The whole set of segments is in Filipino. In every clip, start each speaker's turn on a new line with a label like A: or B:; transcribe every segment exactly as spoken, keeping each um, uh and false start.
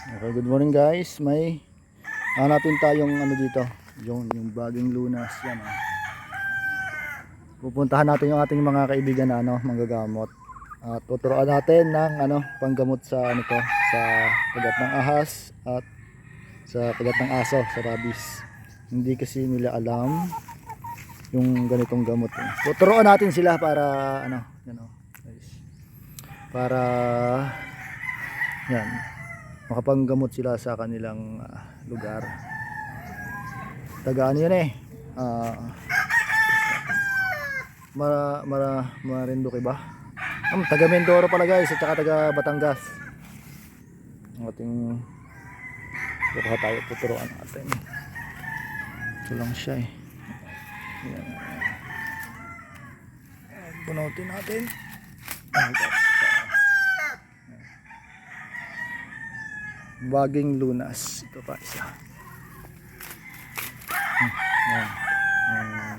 A: Okay, good morning guys. May hanapin tayong ano dito, yung yung baging lunas yan. Oh. Pupuntahan natin yung ating mga kaibigan na ano, manggagamot. At tuturuan natin ng ano, panggamot sa ano to, sa kagat ng ahas at sa kagat ng aso, sa rabies. Hindi kasi nila alam yung ganitong gamot. Eh. Tuturuan natin sila para ano, yan oh, guys. Para yan, makapanggamot sila sa kanilang uh, lugar. Taga ano yan eh, uh, mara, mara, Marinduque ba? Um, taga Mindoro pala guys, at saka taga Batangas. Ang ating baka tayo tuturuan natin. Ito lang siya eh. Yan. Bunutin natin. Oh, baging lunas. Ito pa isa. Hmm. Yan. Hmm.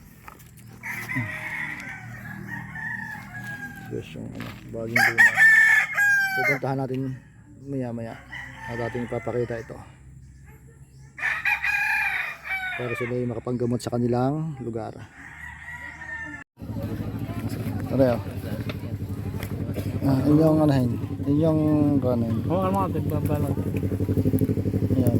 A: Yes, yung ano, baging lunas. Pupuntahan natin maya maya at ating ipapakita ito para sila ay makapanggamot sa kanilang lugar. Ano yun? Ah, inyong anahin, inyong kanin.
B: Oo, ano mga tigbabalot.
A: Ayan.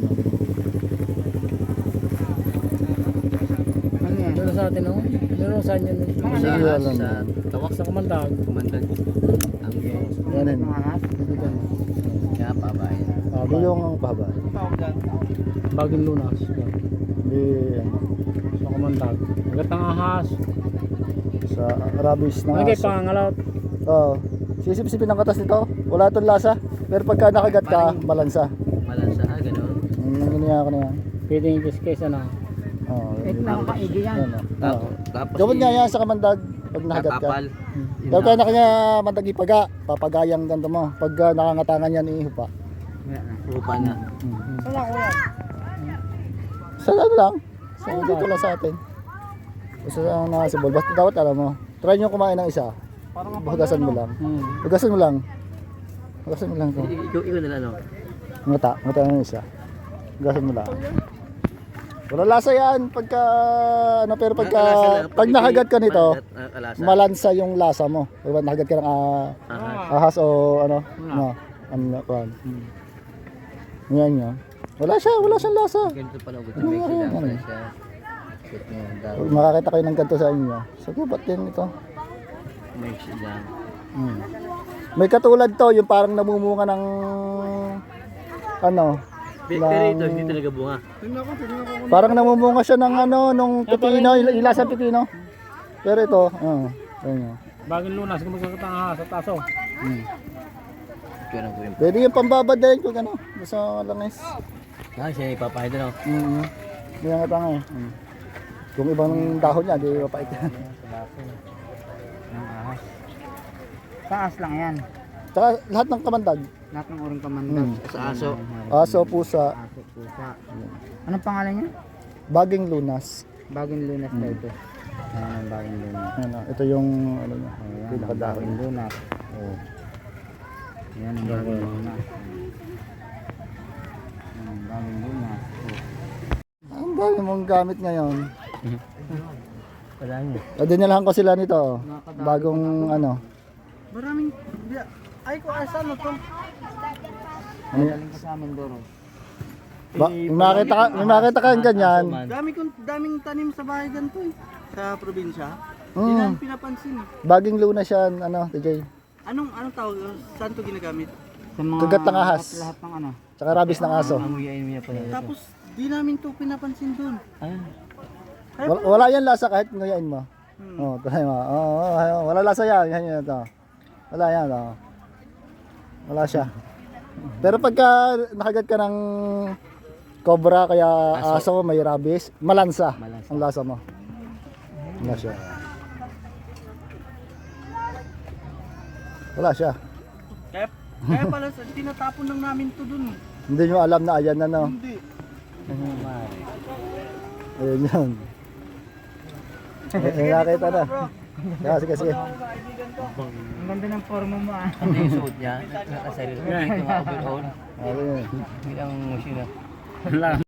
B: Ano yan? Doon sa atin, no? Meron saan yun?
A: Sa alam
B: Sa tawak sa kumandag. Kumandag. Ang
A: yan yun.
B: Kaya pabay.
A: Hindi yung ang pahaba.
B: Baging lunas.
A: Hindi ano.
B: Sa kumandag. Agat ng ahas.
A: Sa rabies ng
B: Ano kayo
A: aso.
B: pangangalot?
A: Oo. Sisip-sipin ang katas nito. Wala itong lasa. Pero pagka nakagat ka, malansa.
B: Malansa, ah, gano'n.
A: Ang ganyan ko na yan.
B: Pwede yung kiskesa na.
A: Oo.
B: Ito na ang kaigi yan.
A: Tapos gawin nga yan sa kamandag pag nakagat ka. Daw kaya na kanya mandag ipaga. Papagayang ganito mo. Pag uh, nakangatangan yan, ihupa.
B: Upa na.
A: Wala ko yan. Sa ano lang? Sa dito lang sa atin. Sa uh, nakasibol. Basta dapat alam mo. Try nyo kumain ng isa. Hugasan mo lang.
B: Hmm.
A: Hugasan mo lang. Hugasan mo lang to.
B: Ikaw, ikaw nila ano?
A: Ngata. Ngata ng isa. Hugasan mo lang. Wala lasa yan. Pagka, ano, pero pagka, pag nakagat ka nito, malansa yung lasa mo. Pag nakagat ka ng uh, ahas o ano, no, ano, ano, yan yan. Wala siya, wala siyang lasa.
B: Ganito pala ugot.
A: Ano nga yan? Ano?
B: siya.
A: Pag makakita kayo ng ganito sa inyo, so ba't din ito?
B: May siya.
A: Hmm. May katulad to, yung parang namumunga ng ano,
B: Pero ito, hindi talaga bunga.
A: parang namumunga siya ng ano, nung pipino, ilasang pipino. Pero ito, oh, ayun.
B: Baging lunas, kung magkakita ng ahas at aso.
A: Hmm. Pwede yung pambabad din kung ano, sa langis.
B: Ah, siya ipapahid na.
A: Mm. Hindi nga tanga eh. Mm. Kung ibang dahon niya, di mapait yan.
C: Taas lang yan.
A: Tsaka lahat ng kamandag.
C: Lahat ng urong kamandag.
A: Mm.
B: Sa aso.
A: Aso, pusa,
C: Aso, pusa. Anong pangalan niya?
A: baging lunas.
C: Baging lunas daw ito. Ayan ang baging lunas.
A: Ano, ito yung ano niya,
C: Ayan ang
A: pinakadahon.
C: baging lunas.
A: Oh.
C: Ayan ang baging lunas. Ayan ang baging lunas.
A: Ang dami mong gamit ngayon.
B: Wala niya.
A: Ah, dinalahan ko sila nito. Bagong ano.
C: Maraming... Ay ko asa mo to?
A: Ano yan?
C: Galing ka sa amin Doro.
A: Ba, may makita ka, may makita ka yung ganyan.
C: Dami kong daming tanim sa bahay ganito eh. Sa probinsya. Hindi
A: Mm.
C: namin pinapansin.
A: Baging lunas yan, ano, T J.
C: Anong anong tawag? Saan to ginagamit? Sa
A: Kagat ng ahas.
C: Lahat ng ano.
A: Tsaka rabies ng aso.
B: Amuyain niya pala.
C: Tapos di namin to pinapansin doon.
A: Wala, wala yan lasa kahit ngayon mo.
C: Hmm.
A: Oh, try mo. Oh, oh, oh, wala lasa yan. Yan yan to. Wala yan, oh. Wala siya. Pero pagka nakagat ka ng cobra kaya aso, may rabies, malansa,
B: Malansa.
A: ang lasa mo. Wala siya. Wala siya.
C: Kaya, kaya pala sa- tinatapon lang namin to doon.
A: Hindi nyo alam na ayan na no.
C: Hindi.
A: Ayun yun. Eh, nakita na. Yeah, sige, sige.
C: Ang ganda ng forma mo ah.
B: Ano yung suot niya? Nakasarili. Ito nga overall.
A: Okay.
B: Bilang musina.